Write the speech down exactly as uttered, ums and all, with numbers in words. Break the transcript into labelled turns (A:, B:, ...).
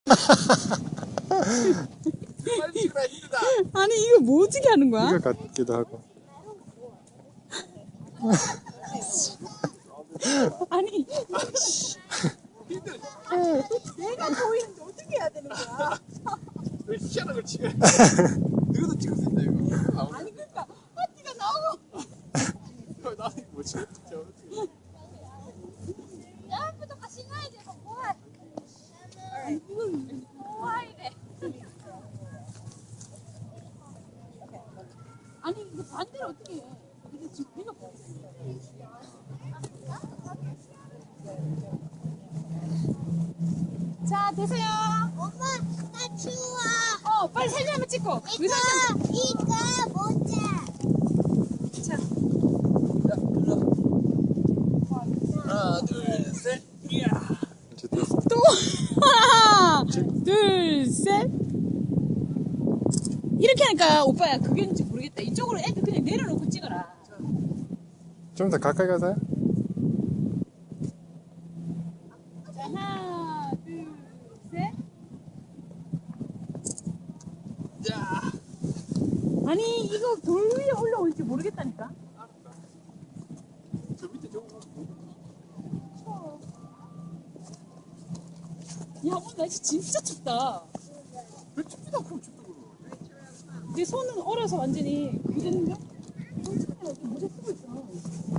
A: 빨리 찍으라 힘들다.
B: 아니 이거 뭐 어떻게 하는 거야?
C: 이거 같기도 하고.
B: 아니
D: 내가 보이는데 어떻게 해야 되는 거야?
A: 왜 희한한 걸 찍어? 너도 찍을 수 있다 이거.
D: 아니 그러니까 파티가 나오고
A: 나는 이거 뭐 찍어?
E: 여러분도 같이 가야 돼서 뭐해? 뭐하이래?
B: 아니 이거 반대로 어떻게 해? 근데 지금 배가 뭐? 자 되세요.
E: 엄마, 나 추워.
B: 어 빨리 사진 한번 찍고. 의사 좀.
E: 이거, 이거 모자.
B: 자
A: 하나 둘 셋. 이야.
C: 이제 됐어.
B: 또 하나 둘 셋. 이렇게 하니까 오빠야 그게인지 모르겠다. 이쪽으로 애들 그냥 내려놓고 찍어라.
C: 좀 더 가까이 가세요.
B: 자 하나 둘 셋.
A: 자.
B: 아니 이거 돌 위에 올라올지 모르겠다니까.
A: 저 밑에 저거.
B: 야 오늘 날씨 진짜 춥다.
A: 왜 춥지도 않고 춥다 그러.
B: 내 손은 얼어서 완전히 그랬는데? 모자 쓰고 있어.